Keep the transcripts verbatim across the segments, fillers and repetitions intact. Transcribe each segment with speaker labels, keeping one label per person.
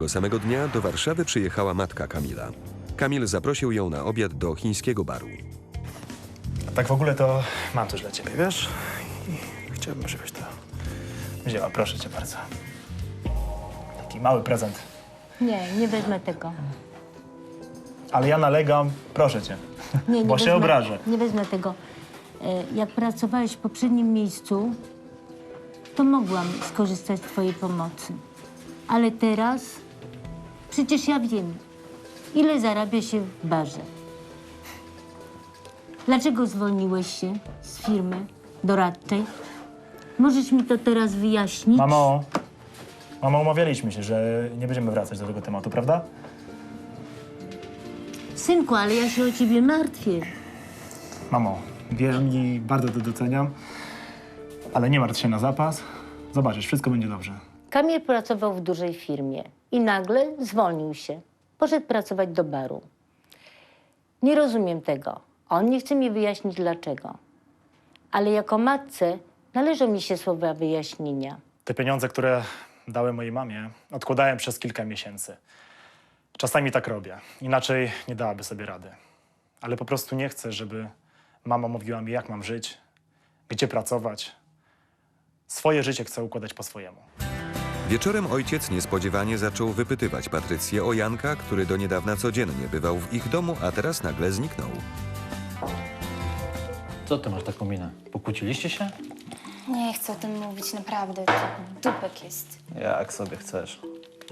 Speaker 1: Tego samego dnia do Warszawy przyjechała matka Kamila. Kamil zaprosił ją na obiad do chińskiego baru.
Speaker 2: A tak w ogóle to mam coś dla ciebie, wiesz? I chciałbym, żebyś to wzięła, proszę cię bardzo. Taki mały prezent.
Speaker 3: Nie, nie wezmę tego.
Speaker 2: Ale ja nalegam, proszę cię,
Speaker 3: Nie, nie
Speaker 2: bo się
Speaker 3: wezmę,
Speaker 2: obrażę.
Speaker 3: Nie wezmę tego. E, Jak pracowałeś w poprzednim miejscu, to mogłam skorzystać z twojej pomocy. Ale teraz przecież ja wiem, ile zarabia się w barze. Dlaczego zwolniłeś się z firmy doradczej? Możesz mi to teraz wyjaśnić?
Speaker 2: Mamo, mamo, umawialiśmy się, że nie będziemy wracać do tego tematu, prawda?
Speaker 3: Synku, ale ja się o ciebie martwię.
Speaker 2: Mamo, wierz mi, bardzo to doceniam, ale nie martw się na zapas. Zobaczysz, wszystko będzie dobrze.
Speaker 3: Kamil pracował w dużej firmie i nagle zwolnił się. Poszedł pracować do baru. Nie rozumiem tego. On nie chce mi wyjaśnić dlaczego. Ale jako matce należą mi się słowa wyjaśnienia.
Speaker 2: Te pieniądze, które dałem mojej mamie, odkładałem przez kilka miesięcy. Czasami tak robię, inaczej nie dałaby sobie rady. Ale po prostu nie chcę, żeby mama mówiła mi, jak mam żyć, gdzie pracować. Swoje życie chcę układać po swojemu.
Speaker 1: Wieczorem ojciec niespodziewanie zaczął wypytywać Patrycję o Janka, który do niedawna codziennie bywał w ich domu, a teraz nagle zniknął.
Speaker 4: Co ty masz taką minę? Pokłóciliście się?
Speaker 5: Nie chcę o tym mówić, naprawdę. To dupek jest.
Speaker 4: Jak sobie chcesz.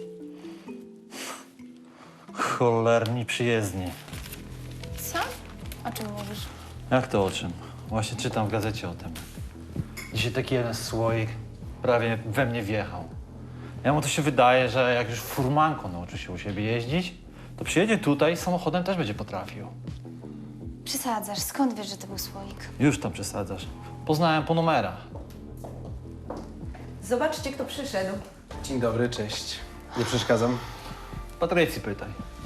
Speaker 4: Cholerni przyjezdni.
Speaker 5: Co? O czym mówisz?
Speaker 4: Jak to o czym? Właśnie czytam w gazecie o tym. Dzisiaj taki jeden słoik prawie we mnie wjechał. Ja mu to się wydaje, że jak już furmanką nauczy się u siebie jeździć, to przyjedzie tutaj i samochodem też będzie potrafił.
Speaker 5: Przesadzasz. Skąd wiesz, że to był słoik?
Speaker 4: Już tam przesadzasz. Poznałem po numerach.
Speaker 6: Zobaczcie, kto przyszedł.
Speaker 7: Dzień dobry, cześć. Nie przeszkadzam?
Speaker 4: Patrycji pytaj.